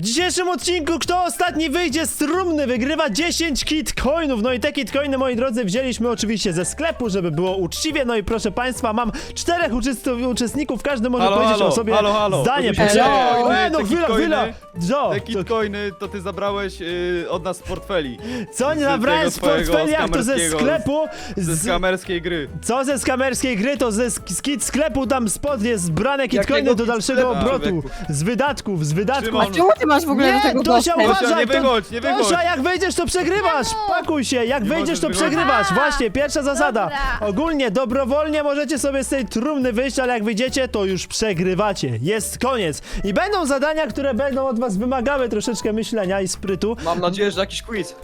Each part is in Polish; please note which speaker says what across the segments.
Speaker 1: dzisiejszym odcinku kto ostatni wyjdzie z trumny wygrywa 10 kitcoinów. No i te kitcoiny, moi drodzy, wzięliśmy oczywiście ze sklepu, żeby było uczciwie. No i proszę państwa, mam 4 uczestników, każdy może powiedzieć o sobie zdanie. No chwila.
Speaker 2: Te kitcoiny to ty zabrałeś od nas z portfeli.
Speaker 1: Co nie nabrałem z portfeli, jak to ze sklepu?
Speaker 2: Ze skamerskiej gry.
Speaker 1: Co ze skamerskiej gry, to ze sklepu tam spod jest zbrane kitcoiny do dalszego obrotu. Z wydatków.
Speaker 3: A czemu ty masz w ogóle do tego
Speaker 1: Tosia,
Speaker 3: dostęp?
Speaker 1: uważaj,
Speaker 2: nie wychodź, nie wychodź.
Speaker 1: Tosia, jak wyjdziesz, to przegrywasz. Pakuj się, jak
Speaker 2: Nie
Speaker 1: wyjdziesz, to
Speaker 2: możesz
Speaker 1: przegrywasz.
Speaker 4: Aha.
Speaker 1: Właśnie, pierwsza zasada.
Speaker 4: Dobra.
Speaker 1: Ogólnie, dobrowolnie możecie sobie z tej trumny wyjść, ale jak wyjdziecie, to już przegrywacie. Jest koniec. I będą zadania, które będą od was wymagały troszeczkę myślenia i sprytu.
Speaker 5: Mam nadzieję, że jakiś quiz.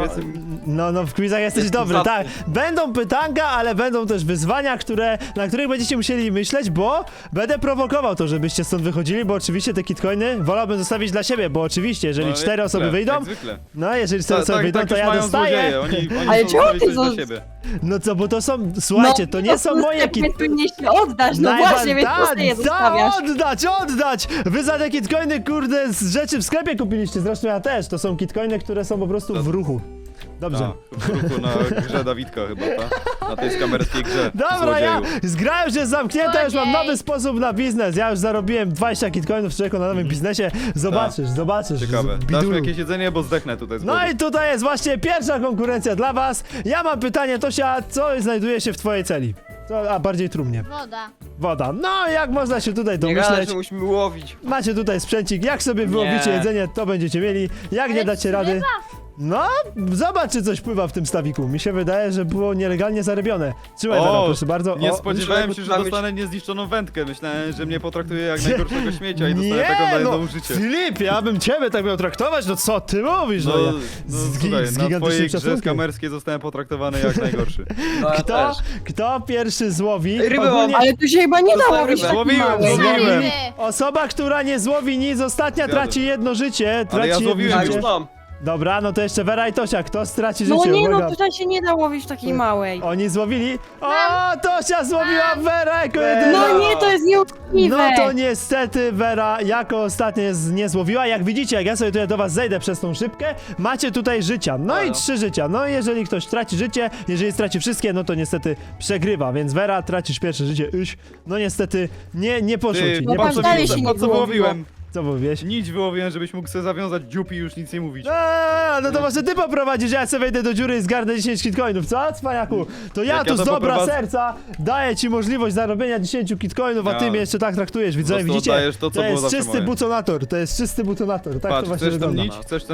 Speaker 1: No, w quizach jesteś dobry, tak. Będą pytanka, ale będą też wyzwania, na których będziecie musieli myśleć, bo będę prowokował to, żebyście stąd wychodzili, bo oczywiście te kitcoiny wolałbym zostawić dla siebie, bo oczywiście, jeżeli 4 osoby wyjdą,
Speaker 2: Jak zwykle.
Speaker 1: no jeżeli 4 osoby wyjdą, to ja dostaję.
Speaker 2: Oni
Speaker 3: Ale
Speaker 2: chcą
Speaker 3: czemu
Speaker 2: zrobić
Speaker 3: ty
Speaker 2: coś dla
Speaker 3: zo-
Speaker 2: siebie.
Speaker 1: No co, bo to są, słuchajcie, to nie są moje kitcoiny.
Speaker 3: Mnie się oddasz, no właśnie, więc po co je zostawiasz?
Speaker 1: Oddać! Wy za te kitcoiny, kurde, z rzeczy w sklepie kupiliście, zresztą ja też. To są kitcoiny, które są po prostu w ruchu. Dobrze.
Speaker 2: W ruchu na grze Dawidka chyba, ta? Na tej skamerskiej grze.
Speaker 1: Dobra, ja
Speaker 2: złodzieju.
Speaker 1: gra już jest zamknięta, już mam
Speaker 4: Złodziej.
Speaker 1: nowy sposób na biznes. Ja już zarobiłem 20 kitcoinów człowieku na nowym biznesie. Zobaczysz.
Speaker 2: Ciekawe. Dasz
Speaker 1: Bidulu.
Speaker 2: mi jakieś jedzenie, bo zdechnę tutaj z
Speaker 1: No
Speaker 2: głodu.
Speaker 1: i tutaj jest właśnie pierwsza konkurencja dla was. Ja mam pytanie, Tosia, co znajduje się w twojej celi? A bardziej trumnie.
Speaker 4: Woda.
Speaker 1: Woda. No, jak można się tutaj
Speaker 5: Nie gadaj,
Speaker 1: domyśleć?
Speaker 5: że musimy łowić.
Speaker 1: Macie tutaj sprzęcik, jak sobie wyłowicie
Speaker 5: Nie.
Speaker 1: jedzenie, to będziecie mieli. Jak nie
Speaker 4: Ale
Speaker 1: dacie rady... No, zobacz, czy coś pływa w tym stawiku. Mi się wydaje, że było nielegalnie zarobione. Trzymaj, Vera, proszę bardzo.
Speaker 2: Nie
Speaker 1: O,
Speaker 2: spodziewałem się, że
Speaker 5: myślałem,
Speaker 2: dostanę niezniszczoną wędkę. Myślałem, że mnie potraktuje jak najgorszego śmiecia i dostanę
Speaker 1: nie,
Speaker 2: taką
Speaker 1: no,
Speaker 2: daną życie.
Speaker 1: Filip, ja bym ciebie tak miał traktować, no co ty mówisz?
Speaker 2: No,
Speaker 1: ja,
Speaker 2: słuchaj,
Speaker 1: z
Speaker 2: na
Speaker 1: gigantycznym
Speaker 2: twojej grze
Speaker 1: szacunkiem.
Speaker 2: skamerskiej zostałem potraktowany jak najgorszy.
Speaker 5: No, ja
Speaker 1: Kto,
Speaker 5: też.
Speaker 1: kto pierwszy złowi?
Speaker 5: Rybę mam.
Speaker 1: Ogólnie
Speaker 3: Ale tu się chyba nie da
Speaker 5: Dostałem
Speaker 3: łowić
Speaker 5: rybę.
Speaker 3: takiej
Speaker 2: Złowiłem,
Speaker 3: małej.
Speaker 2: złowiłem.
Speaker 4: Ryby.
Speaker 1: osoba, która nie złowi nic, ostatnia
Speaker 2: Zjadłem.
Speaker 1: traci jedno życie.
Speaker 2: Ale ja
Speaker 1: Traci
Speaker 2: złowiłem
Speaker 1: jedno
Speaker 5: Ja już
Speaker 1: życie.
Speaker 5: mam.
Speaker 1: Dobra, no to jeszcze Vera i Tosia, kto straci
Speaker 3: No
Speaker 1: życie?
Speaker 3: nie,
Speaker 1: Uwaga.
Speaker 3: no tutaj się nie da łowić w takiej małej.
Speaker 1: Oni złowili? O, Tosia złowiła Vera jako jedyna.
Speaker 3: No nie, to jest nieuczciwe.
Speaker 1: No to niestety Vera jako ostatnia nie złowiła. Jak widzicie, jak ja sobie tutaj do was zejdę przez tą szybkę, macie tutaj życia. No i
Speaker 5: Halo.
Speaker 1: 3 życia. No i jeżeli ktoś traci życie, jeżeli straci wszystkie, no to niestety przegrywa. Więc Vera, tracisz pierwsze życie. No niestety nie poszło
Speaker 2: Ty,
Speaker 1: ci.
Speaker 3: no
Speaker 1: Nie
Speaker 3: pan
Speaker 1: poszło
Speaker 3: dalej
Speaker 1: ci.
Speaker 3: się nie
Speaker 2: po co
Speaker 3: wyłowiło.
Speaker 2: wyłowiłem?
Speaker 1: Co mówiłeś?
Speaker 2: Nic wyłowiłem, żebyś mógł sobie zawiązać dziób i już nic nie mówić.
Speaker 1: No to może ty poprowadzisz, ja sobie wejdę do dziury i zgarnę 10 kitcoinów, co, cwaniaku? To ja
Speaker 2: Jak
Speaker 1: tu
Speaker 2: ja
Speaker 1: z
Speaker 2: to
Speaker 1: dobra
Speaker 2: poprowadzę-
Speaker 1: serca daję ci możliwość zarobienia 10 kitcoinów, a ty
Speaker 2: Ja.
Speaker 1: mnie jeszcze tak traktujesz, widzowie,
Speaker 2: prostu
Speaker 1: widzicie?
Speaker 2: oddajesz to, co było
Speaker 1: jest
Speaker 2: zawsze
Speaker 1: czysty
Speaker 2: moje.
Speaker 1: butonator, to jest czysty butonator, tak to
Speaker 2: Patrz,
Speaker 1: właśnie
Speaker 2: chcesz tam
Speaker 1: wygląda.
Speaker 2: nić? Chcesz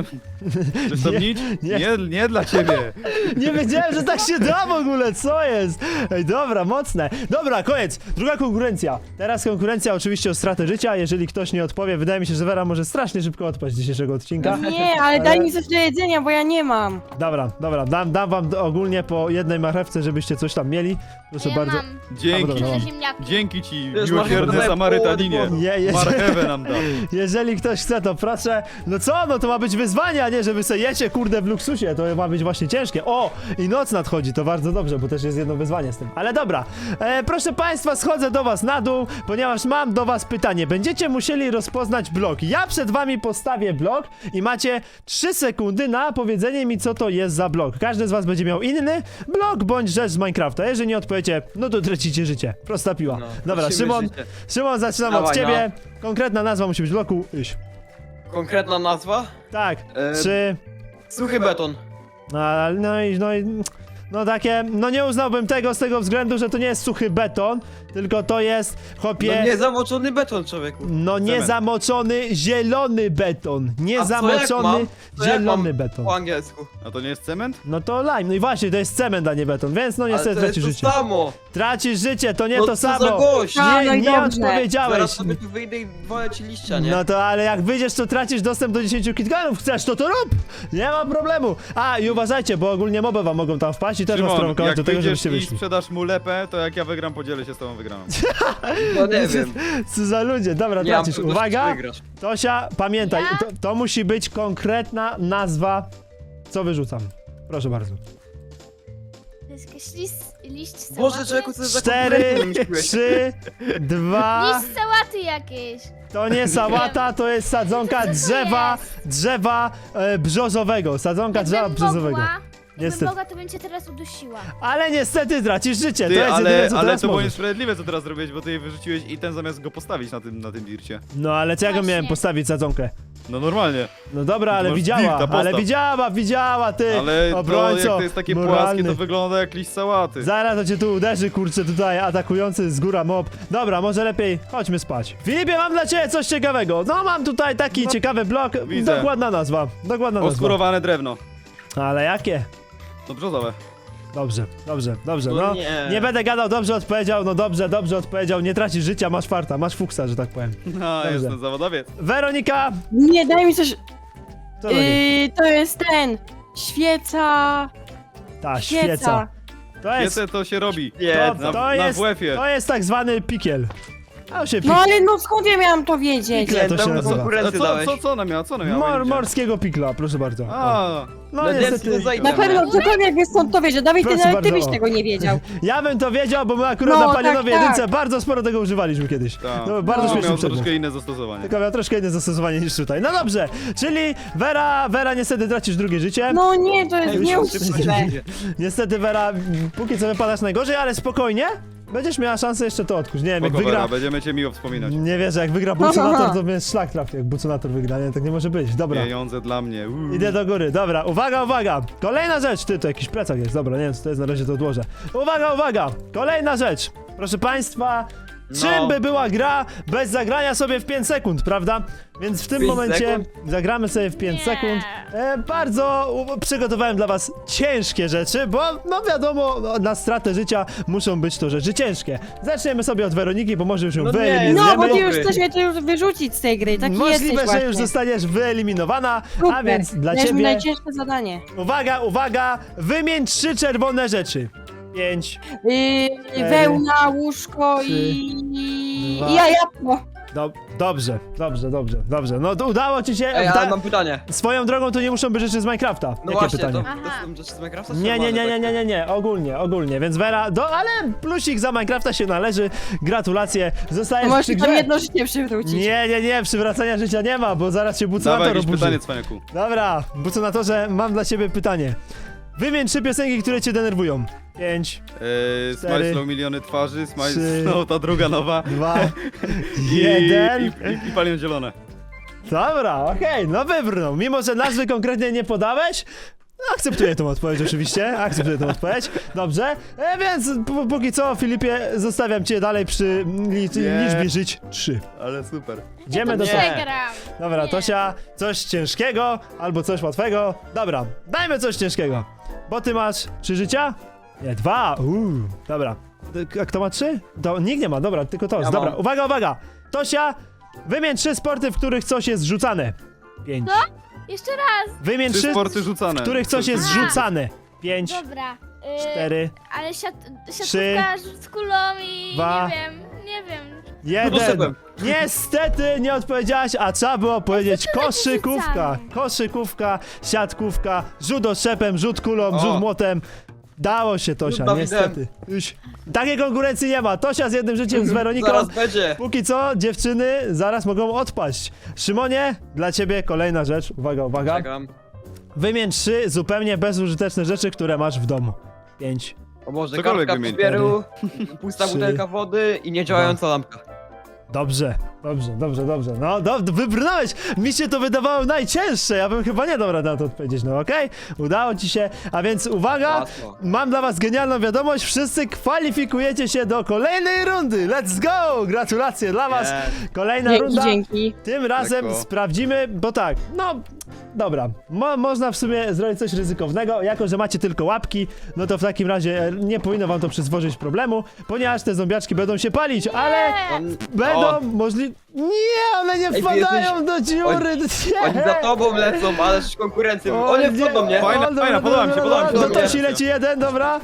Speaker 2: tam
Speaker 1: Nie,
Speaker 2: nić?
Speaker 1: nie.
Speaker 2: Nie dla ciebie.
Speaker 1: Nie wiedziałem, że tak się da w ogóle, co jest? Ej, dobra, mocne. Dobra, koniec. Druga konkurencja. Teraz konkurencja oczywiście o stratę życia, jeżeli ktoś nie odpowie. Wydaje mi się, że Vera może strasznie szybko odpaść z dzisiejszego odcinka.
Speaker 3: Nie, ale daj mi coś do jedzenia, bo ja nie mam.
Speaker 1: Dobra, dam wam ogólnie po jednej marchewce, żebyście coś tam mieli. Proszę
Speaker 4: Ja
Speaker 1: bardzo.
Speaker 4: mam
Speaker 2: Dzięki.
Speaker 1: dobra,
Speaker 4: trzy
Speaker 1: mam.
Speaker 4: ziemniaki.
Speaker 2: Dzięki ci,
Speaker 5: Wiesz,
Speaker 2: miłosierny
Speaker 5: marchewę
Speaker 2: Samarytaninie.
Speaker 5: połowę
Speaker 1: Nie,
Speaker 2: Marchewę nam da.
Speaker 1: jeżeli ktoś chce, to proszę. No co, no to ma być wyzwanie, a nie, że wy sobie jecie, kurde, w luksusie. To ma być właśnie ciężkie. O, i noc nadchodzi, to bardzo dobrze, bo też jest jedno wyzwanie z tym. Ale dobra, proszę państwa, schodzę do was na dół, ponieważ mam do was pytanie. Będziecie musieli rozpoznać blok. Ja przed wami postawię blok i macie 3 sekundy na powiedzenie mi, co to jest za blok. Każdy z was będzie miał inny blok bądź rzecz z Minecrafta. Jeżeli nie odpowiecie, no to tracicie życie. Prosta piła.
Speaker 5: No,
Speaker 1: Dobra,
Speaker 5: tracimy
Speaker 1: Szymon,
Speaker 5: życie.
Speaker 1: Szymon, zaczynam od
Speaker 5: Dawaj,
Speaker 1: ciebie. Konkretna nazwa musi być bloku. Iś.
Speaker 5: Konkretna nazwa?
Speaker 1: Tak,
Speaker 5: E,
Speaker 1: 3.
Speaker 5: Suchy beton.
Speaker 1: No takie, no nie uznałbym tego z tego względu, że to nie jest suchy beton, tylko to jest, chłopie,
Speaker 5: No nie zamoczony beton, człowieku.
Speaker 1: no nie
Speaker 2: Cement.
Speaker 1: zamoczony zielony beton, nie
Speaker 5: A co jak
Speaker 1: zamoczony
Speaker 5: mam? Co jak
Speaker 1: zielony
Speaker 5: mam
Speaker 1: beton.
Speaker 5: Po angielsku.
Speaker 2: A to nie jest cement?
Speaker 1: No to lime, no i właśnie, to jest cement, a nie beton, więc no
Speaker 5: Ale
Speaker 1: niestety
Speaker 5: to jest
Speaker 1: tracisz
Speaker 5: to
Speaker 1: życie.
Speaker 5: samo.
Speaker 1: Tracisz życie, to nie
Speaker 5: No
Speaker 1: to
Speaker 5: co za
Speaker 1: samo.
Speaker 5: gość.
Speaker 3: A, no i
Speaker 1: Nie
Speaker 3: dobrze.
Speaker 1: odpowiedziałeś.
Speaker 5: Zaraz sobie tu wyjdę i wolę ci liścia, nie?
Speaker 1: No to ale jak wyjdziesz, to tracisz dostęp do 10 kitcoinów. Chcesz, to rób! Nie ma problemu. A i uważajcie, bo ogólnie moby wam mogą tam wpaść i też was
Speaker 2: Szymon,
Speaker 1: prowokować
Speaker 2: jak
Speaker 1: do tego,
Speaker 2: wyjdziesz
Speaker 1: żebyście
Speaker 2: i
Speaker 1: wyszli.
Speaker 2: sprzedasz mu lepę, to jak ja wygram, podzielę się z tobą wygraną.
Speaker 5: No nie wiem.
Speaker 1: Co za ludzie, dobra,
Speaker 5: Nie mam
Speaker 1: tracisz.
Speaker 5: pewności,
Speaker 1: Uwaga!
Speaker 5: czy wygrasz.
Speaker 1: Tosia, pamiętaj,
Speaker 4: Ja?
Speaker 1: to musi być konkretna nazwa. Co wyrzucam? Proszę bardzo.
Speaker 4: To jest jakiś liść sałaty?
Speaker 5: Boże, człowieku, co za
Speaker 1: 4,
Speaker 5: konkurencję wymyśliłeś?
Speaker 1: 3, 2.
Speaker 4: Liść sałaty jakieś.
Speaker 1: To nie sałata, to jest sadzonka drzewa brzozowego. Sadzonka drzewa brzozowego.
Speaker 4: Jakbym
Speaker 1: Niestety.
Speaker 4: mogła, to bym cię teraz udusiła.
Speaker 1: Ale niestety tracisz życie, to
Speaker 2: Ty,
Speaker 1: jest jedyne, co
Speaker 2: ale
Speaker 1: teraz
Speaker 2: to było
Speaker 1: możesz.
Speaker 2: niesprawiedliwe, co teraz zrobiłeś, bo ty jej wyrzuciłeś i ten zamiast go postawić na tym dircie.
Speaker 1: No ale co ja go
Speaker 4: Właśnie.
Speaker 1: miałem postawić sadzonkę?
Speaker 2: No normalnie.
Speaker 1: No dobra, ale
Speaker 2: Masz
Speaker 1: widziała,
Speaker 2: dirta, postaw.
Speaker 1: ale widziała, ty,
Speaker 2: Ale to
Speaker 1: obrońco,
Speaker 2: jak to jest takie
Speaker 1: moralny.
Speaker 2: płaskie, to wygląda jak liść sałaty.
Speaker 1: Zaraz to cię tu uderzy, kurczę, tutaj atakujący z góra mob. Dobra, może lepiej chodźmy spać. Filipie, mam dla ciebie coś ciekawego. No mam tutaj taki ciekawy blok,
Speaker 2: Widzę.
Speaker 1: dokładna nazwa,
Speaker 2: Oskurowane drewno.
Speaker 1: Ale jakie?
Speaker 2: To brzozowe.
Speaker 1: Dobrze,
Speaker 5: No
Speaker 1: no.
Speaker 5: nie.
Speaker 1: Nie będę gadał, dobrze odpowiedział, no dobrze odpowiedział, nie tracisz życia, masz farta, masz fuksa, że tak powiem.
Speaker 2: No, jestem zawodowiec.
Speaker 1: Weronika,
Speaker 3: Nie, daj mi coś...
Speaker 1: co to jest?
Speaker 3: To jest ten... Świeca...
Speaker 1: Ta, świeca. To jest,
Speaker 2: Wiecie, to się robi.
Speaker 5: Nie,
Speaker 2: Na WF-ie.
Speaker 1: to jest tak zwany pikiel. A się
Speaker 3: No ale no skąd ja miałam to wiedzieć?
Speaker 1: Pikle to się
Speaker 5: Tam
Speaker 1: nazywa.
Speaker 5: konkurencję dałeś.
Speaker 2: Co ona miała? Ja nie widziałem.
Speaker 1: Morskiego pikla, proszę bardzo. O.
Speaker 2: A,
Speaker 1: No
Speaker 5: Na
Speaker 1: niestety.
Speaker 5: desce zajdę.
Speaker 3: Na pewno ktokolwiek wie skąd to wiedział. Dawid, ty
Speaker 1: Proszę
Speaker 3: nawet ty
Speaker 1: bardzo.
Speaker 3: byś tego nie wiedział.
Speaker 1: Ja bym to wiedział, bo my akurat
Speaker 3: No,
Speaker 1: na Palionowej
Speaker 3: tak.
Speaker 1: jedynce bardzo sporo tego używaliśmy kiedyś.
Speaker 2: tak.
Speaker 1: No, bardzo śmieszny
Speaker 2: miał
Speaker 1: przedmiot.
Speaker 2: troszkę inne zastosowanie.
Speaker 1: Tylko miał troszkę inne zastosowanie niż tutaj. No dobrze, czyli Vera niestety tracisz drugie życie.
Speaker 3: No nie, to jest
Speaker 5: Ej,
Speaker 3: nieuczciwe.
Speaker 1: Niestety Vera, póki co wypadasz najgorzej, ale spokojnie. Będziesz miała szansę jeszcze to odkuć. Nie wiem, jak
Speaker 2: Spoko,
Speaker 1: wygra...
Speaker 2: Vera, będziemy cię miło wspominać.
Speaker 1: Nie wierzę, jak wygra Buconator, to mnie szlak trafi, jak Buconator wygra. Nie, tak nie może być. Dobra.
Speaker 2: Pieniądze dla mnie.
Speaker 1: Idę do góry, dobra, uwaga! Kolejna rzecz, ty, to jakiś plecak jest, dobra, nie wiem co to jest, na razie to odłożę. Uwaga! Kolejna rzecz, proszę państwa, czym by była gra bez zagrania sobie w 5 sekund, prawda? Więc w tym
Speaker 5: 5
Speaker 1: momencie
Speaker 5: sekund?
Speaker 1: zagramy sobie w 5
Speaker 4: Nie.
Speaker 1: sekund. Przygotowałem dla was ciężkie rzeczy, bo no wiadomo, no, na stratę życia muszą być to rzeczy ciężkie. Zaczniemy sobie od Weroniki, bo może już ją
Speaker 5: No nie,
Speaker 1: wyeliminujemy.
Speaker 3: No, bo ty już
Speaker 5: Dobry.
Speaker 3: chcesz mnie tu już wyrzucić z tej gry. Taki jesteś
Speaker 1: Możliwe, że
Speaker 3: właśnie.
Speaker 1: już zostaniesz wyeliminowana, a
Speaker 3: Super.
Speaker 1: więc dla
Speaker 3: Dajesz mi
Speaker 1: ciebie...
Speaker 3: najcięższe zadanie.
Speaker 1: Uwaga! Wymień 3 czerwone rzeczy. 5.
Speaker 3: Wełna, łóżko
Speaker 1: 3,
Speaker 3: i
Speaker 1: 2.
Speaker 3: jajapko.
Speaker 1: Dobrze. No to udało ci się.
Speaker 5: Ej, ale mam pytanie.
Speaker 1: Swoją drogą to nie muszą być rzeczy z Minecrafta.
Speaker 5: No
Speaker 1: Jakie
Speaker 5: właśnie,
Speaker 1: pytanie?
Speaker 5: to
Speaker 4: Aha.
Speaker 5: są rzeczy z Minecrafta? czy
Speaker 1: Nie,
Speaker 5: normalne takie?
Speaker 1: ogólnie, więc Vera, ale plusik za Minecrafta się należy, gratulacje, zostajesz
Speaker 3: Możesz
Speaker 1: przy
Speaker 3: mi tam
Speaker 1: grze.
Speaker 3: jedno życie przywrócić.
Speaker 1: Nie, przywracania życia nie ma, bo zaraz się
Speaker 2: Dawaj
Speaker 1: Buconator
Speaker 2: jakieś
Speaker 1: oburzy.
Speaker 2: pytanie, cwaniaku.
Speaker 1: Dobra, Buconatorze, mam dla ciebie pytanie. Wymień 3 piosenki, które cię denerwują. 5,
Speaker 2: Smile
Speaker 1: 4,
Speaker 2: Slow miliony twarzy, Smile
Speaker 1: 3,
Speaker 2: Slow ta druga nowa.
Speaker 1: 2,
Speaker 2: I-
Speaker 1: 1.
Speaker 2: I palion zielone.
Speaker 1: Dobra, okej, no wybrnął. Mimo, że nazwy konkretnie nie podałeś, akceptuję tą odpowiedź oczywiście, dobrze. Więc póki co, Filipie, zostawiam cię dalej przy liczbie żyć 3.
Speaker 2: Ale super.
Speaker 1: Idziemy do
Speaker 5: Nie.
Speaker 4: Przegram.
Speaker 1: Dobra,
Speaker 4: Nie.
Speaker 1: Tosia, coś ciężkiego albo coś łatwego. Dobra, dajmy coś ciężkiego. Bo ty masz 3 życia? Nie, 2. Dobra. A kto ma 3? Nikt nie ma, dobra, tylko to.
Speaker 5: Ja
Speaker 1: Dobra,
Speaker 5: mam.
Speaker 1: uwaga. Tosia, wymień 3 sporty, w których coś jest rzucane. 5.
Speaker 4: Jeszcze raz.
Speaker 1: Wymień
Speaker 2: 3
Speaker 1: 3,
Speaker 2: sporty rzucane.
Speaker 1: w których coś jest
Speaker 4: Aha.
Speaker 1: rzucane. 5,
Speaker 4: Dobra.
Speaker 1: 4,
Speaker 4: Ale
Speaker 1: Trzy.
Speaker 4: siatkówka z kulą i
Speaker 1: 2.
Speaker 4: nie wiem.
Speaker 1: 1.
Speaker 5: Poszedłem.
Speaker 1: Niestety nie odpowiedziałaś, a trzeba było powiedzieć koszykówka. Koszykówka, siatkówka, rzut oszczepem, rzut kulą,
Speaker 2: O.
Speaker 1: rzut młotem. Dało się, Tosia,
Speaker 5: Rzut
Speaker 1: niestety. Takiej konkurencji nie ma. Tosia z jednym życiem, z Weroniką.
Speaker 5: Zaraz będzie.
Speaker 1: Póki co, dziewczyny zaraz mogą odpaść. Szymonie, dla ciebie kolejna rzecz. Uwaga.
Speaker 5: Czekam.
Speaker 1: Wymień 3 zupełnie bezużyteczne rzeczy, które masz w domu. 5.
Speaker 5: O Boże,
Speaker 2: Cokolwiek
Speaker 5: kartka
Speaker 2: wymień.
Speaker 5: papieru, pusta
Speaker 1: 3,
Speaker 5: butelka wody i niedziałająca lampka.
Speaker 1: Dobrze. No, wybrnąłeś. Mi się to wydawało najcięższe. Ja bym chyba nie dał rady na to odpowiedzieć. No okej, udało ci się. A więc uwaga,
Speaker 5: Łatwo.
Speaker 1: mam dla was genialną wiadomość. Wszyscy kwalifikujecie się do kolejnej rundy. Let's go! Gratulacje dla was. Kolejna runda.
Speaker 3: Dzięki.
Speaker 1: Tym razem
Speaker 2: Lekko.
Speaker 1: sprawdzimy, bo tak, no dobra, można w sumie zrobić coś ryzykownego, jako że macie tylko łapki, no to w takim razie nie powinno wam to przysporzyć problemu, ponieważ te zombiaczki będą się palić, ale
Speaker 5: On,
Speaker 1: będą możliwe... Nie, one nie
Speaker 5: Ej,
Speaker 1: wpadają do dziury, nie!
Speaker 5: oni za tobą lecą, ale z konkurencją.
Speaker 1: O
Speaker 5: O nie,
Speaker 1: nie.
Speaker 5: wchodzą mnie.
Speaker 2: Fajna,
Speaker 1: O, dobra,
Speaker 2: podoba mi się,
Speaker 1: dobra,
Speaker 2: podoba mi się.
Speaker 1: Do
Speaker 5: dobra.
Speaker 1: Tosi leci jeden, dobra.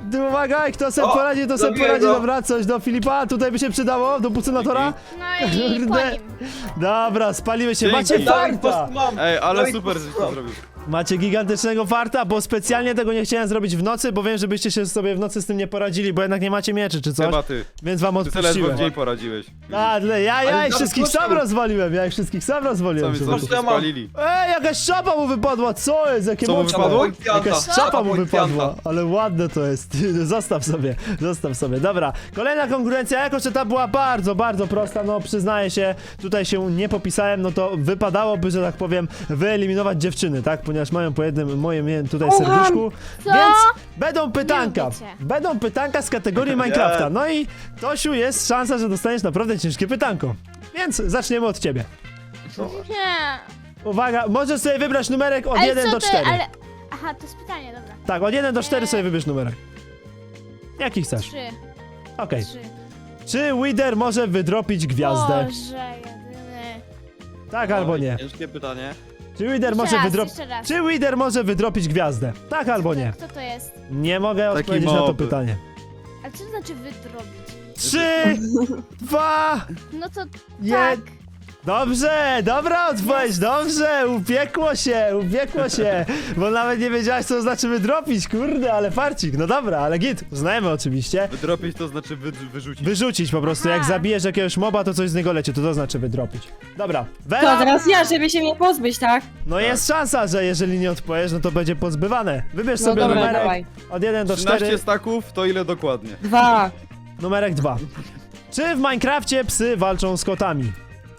Speaker 1: Uwaga, kto sobie
Speaker 5: O,
Speaker 1: poradzi, to sobie
Speaker 5: zabiję
Speaker 1: poradzi.
Speaker 5: go.
Speaker 1: Dobra, coś do Filipa, tutaj by się przydało, do Bucenatora.
Speaker 4: No i po
Speaker 1: Kurde.
Speaker 4: nim.
Speaker 1: Dobra, spaliły się.
Speaker 2: Dzięki.
Speaker 1: Macie
Speaker 5: Dawid, po
Speaker 1: farta.
Speaker 5: prostu mam.
Speaker 2: Ej, ale
Speaker 5: Dawid,
Speaker 2: super,
Speaker 5: po
Speaker 2: żeś
Speaker 5: prostu
Speaker 2: to zrobił.
Speaker 1: Macie gigantycznego farta, bo specjalnie tego nie chciałem zrobić w nocy, bo wiem, żebyście się sobie w nocy z tym nie poradzili, bo jednak nie macie mieczy czy coś,
Speaker 2: Chyba ty.
Speaker 1: więc wam
Speaker 2: Ty sobie ledwo w
Speaker 1: odpuściłem.
Speaker 2: dzień poradziłeś.
Speaker 1: Ja
Speaker 5: Ale
Speaker 1: ich wszystkich
Speaker 5: proszę.
Speaker 1: sam rozwaliłem, ja ich wszystkich sam
Speaker 2: Co
Speaker 1: rozwaliłem.
Speaker 2: mi
Speaker 1: człowieku.
Speaker 2: co się spalili?
Speaker 1: Ej, jakaś czapa mu wypadła, co jest? Jakie
Speaker 2: Co mu
Speaker 1: moczki?
Speaker 2: wypadło?
Speaker 1: Jakaś czapa mu
Speaker 5: Policjanta.
Speaker 1: wypadła, ale ładne to jest. Zostaw sobie. Dobra, kolejna konkurencja, jako że ta była bardzo, bardzo prosta, no przyznaję się, tutaj się nie popisałem, no to wypadałoby, że tak powiem, wyeliminować dziewczyny, tak? Ponieważ mają po jednym moim tutaj serduszku,
Speaker 4: Co?
Speaker 1: więc będą pytanka.
Speaker 4: lubię cię.
Speaker 1: Będą pytanka z kategorii Minecrafta. No i Tosiu, jest szansa, że dostaniesz naprawdę ciężkie pytanko. Więc zaczniemy od ciebie.
Speaker 4: Nie.
Speaker 1: Uwaga, możesz sobie wybrać numerek od
Speaker 4: Ale
Speaker 1: 1
Speaker 4: co
Speaker 1: do
Speaker 4: ty,
Speaker 1: 4.
Speaker 4: ale... Aha, to jest pytanie, dobra.
Speaker 1: Tak, od 1 do 4 sobie wybierz numerek. Jaki chcesz?
Speaker 4: 3.
Speaker 1: Okej.
Speaker 4: 3.
Speaker 1: Czy Wither może wydropić gwiazdę?
Speaker 4: Boże, jedyny.
Speaker 1: Tak albo nie?
Speaker 5: Ciężkie pytanie.
Speaker 1: Czy Wither
Speaker 4: Jeszcze
Speaker 1: może
Speaker 4: raz,
Speaker 1: wydropić...
Speaker 4: jeszcze raz.
Speaker 1: Czy Wither może wydropić gwiazdę? Tak albo nie?
Speaker 4: Kto to jest?
Speaker 1: Nie mogę
Speaker 2: Taki
Speaker 1: odpowiedzieć na to
Speaker 2: mob.
Speaker 1: pytanie.
Speaker 4: Ale co to znaczy wydrobić?
Speaker 1: 3, 2,
Speaker 4: No to
Speaker 1: Je-
Speaker 4: tak.
Speaker 1: Dobrze, dobra odpowiedź, dobrze, upiekło się, bo nawet nie wiedziałaś, co znaczy wydropić, kurde, ale farcik, no dobra, ale git, uznajemy oczywiście.
Speaker 2: Wydropić to znaczy wyrzucić.
Speaker 1: Wyrzucić po prostu, jak
Speaker 4: Aha.
Speaker 1: zabijesz jakiegoś moba, to coś z niego leci, to znaczy wydropić. Dobra,
Speaker 3: To
Speaker 1: Wela,
Speaker 3: teraz ja, żeby się mnie pozbyć, tak?
Speaker 1: no jest szansa, że jeżeli nie odpowiesz, no to będzie pozbywane. Wybierz
Speaker 3: No
Speaker 1: sobie
Speaker 3: dobra,
Speaker 1: numerek
Speaker 3: dawaj.
Speaker 1: od 1 do 4,
Speaker 2: 13 staków, to ile dokładnie?
Speaker 3: 2.
Speaker 1: numerek 2. Czy w Minecrafcie psy walczą z kotami?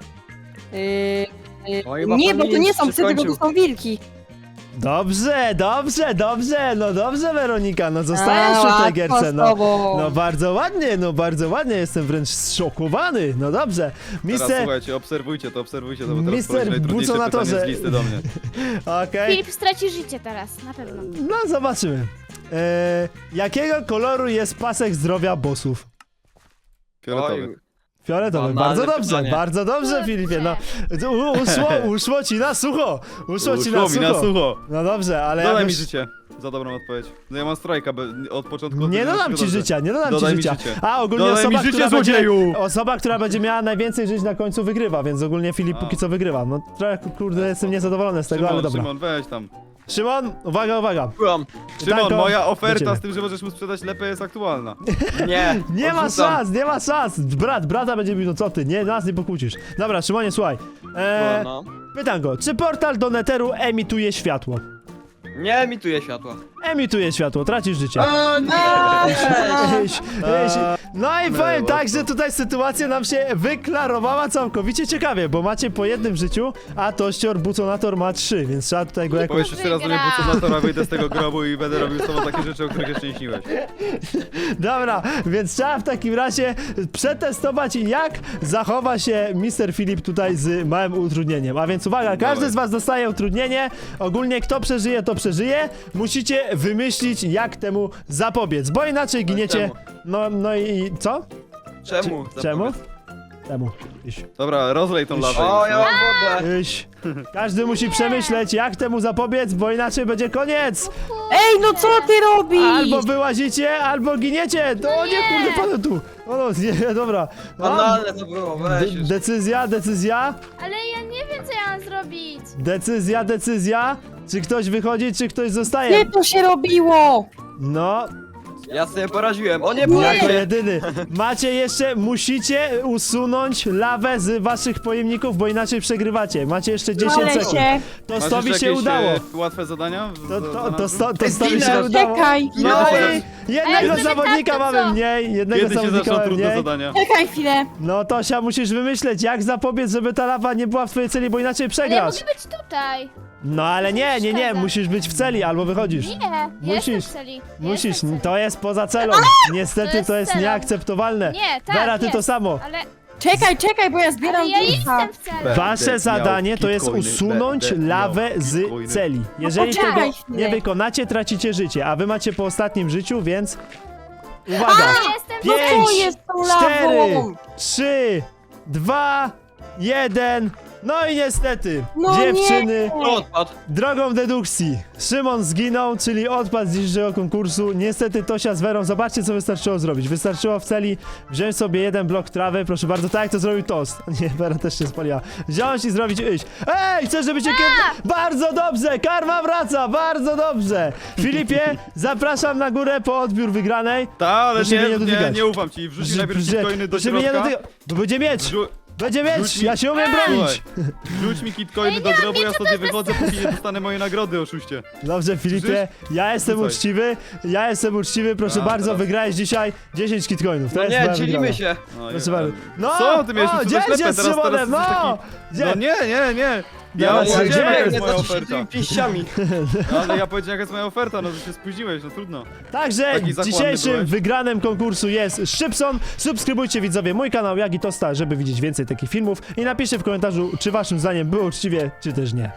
Speaker 5: O, chyba
Speaker 3: Nie, bo to
Speaker 5: pan
Speaker 3: nie są
Speaker 5: się
Speaker 3: psy, tylko to
Speaker 5: skończył.
Speaker 3: są wilki.
Speaker 1: Dobrze, no dobrze Weronika, no zostajesz przy tej
Speaker 3: łatwo
Speaker 1: gierce,
Speaker 3: z
Speaker 1: no.
Speaker 3: tobą.
Speaker 1: No bardzo ładnie, jestem wręcz zszokowany, no dobrze.
Speaker 2: Teraz
Speaker 1: Mister,
Speaker 2: słuchajcie, obserwujcie to, bo teraz
Speaker 1: Mister
Speaker 2: poleci najtrudniejsze
Speaker 1: Buconatorze.
Speaker 2: pytanie z listy do mnie.
Speaker 1: okej,
Speaker 4: Filip straci życie teraz, na pewno.
Speaker 1: no zobaczymy. Jakiego koloru jest pasek zdrowia bossów?
Speaker 2: Fioletowy.
Speaker 1: Fioletowy,
Speaker 5: Banalne
Speaker 1: bardzo dobrze
Speaker 4: Kurczę.
Speaker 1: Filipie, no. Uszło ci na sucho,
Speaker 2: Uszło mi na sucho.
Speaker 1: No dobrze, ale
Speaker 2: Dodaj
Speaker 1: ja
Speaker 2: mi życie. Za dobrą odpowiedź. No ja mam strajka od początku.
Speaker 1: Nie
Speaker 2: od
Speaker 1: dodam ci
Speaker 2: dobrze.
Speaker 1: życia, nie dodam
Speaker 2: Dodaj
Speaker 1: ci
Speaker 2: mi
Speaker 1: życia.
Speaker 2: życie.
Speaker 1: A ogólnie
Speaker 2: Dodaj mi
Speaker 1: osoba,
Speaker 2: życie,
Speaker 1: która będzie,
Speaker 2: złodzieju!
Speaker 1: osoba, która będzie miała najwięcej żyć na końcu wygrywa, więc ogólnie Filip
Speaker 2: A.
Speaker 1: póki co wygrywa. No trochę kurde jestem niezadowolony z tego,
Speaker 2: Szymon,
Speaker 1: ale dobra.
Speaker 2: Szymon, weź tam.
Speaker 1: Szymon, uwaga.
Speaker 5: Byłam.
Speaker 2: Szymon,
Speaker 1: Pytanko
Speaker 2: moja
Speaker 1: do
Speaker 2: oferta
Speaker 1: ciebie.
Speaker 2: z tym, że możesz mu sprzedać lepę jest aktualna.
Speaker 5: Nie.
Speaker 1: Nie ma
Speaker 5: odrzucam.
Speaker 1: szans. Brata będzie mówił, no co ty, nie, nas nie pokłócisz. Dobra, Szymonie, słuchaj.
Speaker 5: No.
Speaker 1: Pytanko, czy portal do Netheru emituje światło?
Speaker 5: Nie emituje światła.
Speaker 1: Emituje światło, tracisz życie.
Speaker 5: O nie!
Speaker 1: Iś. No i powiem tak, że tutaj sytuacja nam się wyklarowała całkowicie ciekawie, bo macie po jednym życiu, a Tościor Buconator ma 3, więc trzeba tutaj go jakoś...
Speaker 2: Powiesz jeszcze raz do mnie
Speaker 4: Wygra.
Speaker 2: Buconatora, wyjdę z tego grobu i będę robił z tobą takie rzeczy, o których jeszcze nie śniłeś.
Speaker 1: Dobra, więc trzeba w takim razie przetestować, jak zachowa się Mr. Filip tutaj z małym utrudnieniem. A więc uwaga, każdy
Speaker 2: Dawaj.
Speaker 1: z was dostaje utrudnienie, ogólnie kto przeżyje, to przeżyje. Musicie wymyślić, jak temu zapobiec, bo inaczej giniecie... No i co?
Speaker 5: Czemu?
Speaker 1: Czemu? Czemu? Iś.
Speaker 2: Dobra, rozlej tą lawę.
Speaker 5: O,
Speaker 2: już,
Speaker 5: ja
Speaker 2: no.
Speaker 5: mam wodę.
Speaker 1: Iś. Każdy musi przemyśleć, jak temu zapobiec, bo inaczej będzie koniec.
Speaker 3: Ej, no co ty robisz?
Speaker 1: Albo wyłazicie, albo giniecie. To nie, kurde, padł tu. O no, nie, dobra.
Speaker 5: Banalne to było, weź już.
Speaker 1: Decyzja.
Speaker 4: Ale ja nie wiem, co ja mam zrobić.
Speaker 1: Decyzja. Czy ktoś wychodzi, czy ktoś zostaje?
Speaker 3: Gdzie to się robiło?
Speaker 1: No,
Speaker 5: Ja sobie poraziłem. O nie,
Speaker 1: jako
Speaker 5: boję!
Speaker 1: jedyny. Macie jeszcze, musicie usunąć lawę z waszych pojemników, bo inaczej przegrywacie. Macie jeszcze 10
Speaker 3: Ale
Speaker 1: sekund.
Speaker 3: się.
Speaker 1: To
Speaker 2: Masz
Speaker 1: Stowi
Speaker 2: jeszcze
Speaker 1: się
Speaker 2: jakieś,
Speaker 1: udało.
Speaker 2: łatwe zadania?
Speaker 1: To Stowi się
Speaker 5: Zginę.
Speaker 1: udało.
Speaker 3: Czekaj,
Speaker 1: No
Speaker 2: Ej,
Speaker 1: i jednego
Speaker 4: ale
Speaker 1: zawodnika
Speaker 4: tak, to
Speaker 1: mamy
Speaker 4: co?
Speaker 1: mniej, jednego
Speaker 2: Kiedy się
Speaker 1: zawodnika
Speaker 2: zaczną
Speaker 1: mamy
Speaker 2: trudne
Speaker 1: mniej.
Speaker 2: zadania?
Speaker 3: czekaj chwilę.
Speaker 1: No Tosia, musisz wymyśleć, jak zapobiec, żeby ta lawa nie była w twojej celi, bo inaczej
Speaker 4: Ale ja
Speaker 1: przegrasz.
Speaker 4: mogę być tutaj.
Speaker 1: No ale nie,
Speaker 4: przeszkadza.
Speaker 1: musisz być w celi, albo wychodzisz.
Speaker 4: Nie, ja
Speaker 1: Musisz.
Speaker 4: jestem w celi. Ja
Speaker 1: Musisz,
Speaker 4: jestem w celi.
Speaker 1: to jest poza celą. Niestety
Speaker 4: jest
Speaker 1: to jest
Speaker 4: celą.
Speaker 1: nieakceptowalne.
Speaker 4: Nie, tak,
Speaker 1: Vera, ty to
Speaker 4: jest.
Speaker 1: samo.
Speaker 4: Ale,
Speaker 3: Czekaj, bo ja zbieram
Speaker 4: ale ja
Speaker 3: wilka.
Speaker 4: jestem w celi.
Speaker 1: Wasze
Speaker 2: miał
Speaker 1: zadanie to jest
Speaker 2: bitcoiny,
Speaker 1: usunąć
Speaker 2: będę
Speaker 1: lawę
Speaker 2: miał
Speaker 1: z
Speaker 2: bitcoiny.
Speaker 1: celi. Jeżeli
Speaker 3: poczekaj
Speaker 1: tego
Speaker 3: chwilę.
Speaker 1: nie wykonacie, tracicie życie, a wy macie po ostatnim życiu, więc... Uwaga!
Speaker 4: Ja jestem w
Speaker 1: Pięć,
Speaker 4: celi.
Speaker 3: Co jest tą
Speaker 1: 4,
Speaker 3: lawą?
Speaker 1: 3, 2, 1. No i niestety,
Speaker 3: No
Speaker 1: dziewczyny,
Speaker 5: Odpadł.
Speaker 1: drogą dedukcji, Szymon zginął, czyli odpadł z dzisiejszego konkursu. Niestety Tosia z Werą, zobaczcie co wystarczyło zrobić. Wystarczyło w celi wziąć sobie jeden blok trawy, proszę bardzo, tak jak to zrobił Toast. Nie, Wera też się spaliła. Wziąć i zrobić iść. Ej, chcesz, żeby cię Bardzo dobrze, karma wraca, bardzo dobrze. Filipie, zapraszam na górę po odbiór wygranej.
Speaker 2: Ta, ale
Speaker 1: Proszę mnie nie
Speaker 2: nie
Speaker 1: dotykać.
Speaker 2: ufam ci. Wrzuć najpierw kitcoiny do
Speaker 1: Proszę mnie nie
Speaker 2: środka.
Speaker 1: dotyka- Bo będzie miecz,
Speaker 2: Wrzu-
Speaker 1: będzie miecz,
Speaker 2: Rzuć mi-
Speaker 1: ja się umiem bronić.
Speaker 2: Słuchaj, Wrzuć mi kitcoiny do grobu, ja sobie wychodzę, póki nie dostanę mojej nagrody, oszuście.
Speaker 1: Dobrze, Filipie, ja jestem
Speaker 2: Rzucaj.
Speaker 1: uczciwy, proszę
Speaker 2: A,
Speaker 1: bardzo,
Speaker 2: teraz.
Speaker 1: wygrałeś dzisiaj 10 kitcoinów. To
Speaker 5: No
Speaker 1: jest
Speaker 5: nie,
Speaker 1: moja
Speaker 5: dzielimy
Speaker 1: wygrana.
Speaker 5: się.
Speaker 2: No,
Speaker 1: Proszę
Speaker 2: ja-
Speaker 1: bardzo. No,
Speaker 2: Co ty miałeś tu
Speaker 1: dziel
Speaker 2: ślepę,
Speaker 1: się z
Speaker 2: teraz
Speaker 1: Szymonem,
Speaker 2: jesteś
Speaker 1: no!
Speaker 2: taki... No nie. Ja
Speaker 1: Teraz
Speaker 2: powiedziałem,
Speaker 1: gdzie?
Speaker 2: jaka jest
Speaker 5: Nie,
Speaker 2: moja
Speaker 5: znaczy się
Speaker 2: oferta.
Speaker 5: tymi pięściami.
Speaker 2: No, ale ja powiedziałem, jaka jest moja oferta, no to się spóźniłeś, no trudno.
Speaker 1: Także
Speaker 2: Taki zachłanny
Speaker 1: dzisiejszym
Speaker 2: byłeś.
Speaker 1: wygranym konkursu jest Szybson. Subskrybujcie widzowie mój kanał, jak i Tosta, żeby widzieć więcej takich filmów i napiszcie w komentarzu, czy waszym zdaniem było uczciwie, czy też nie.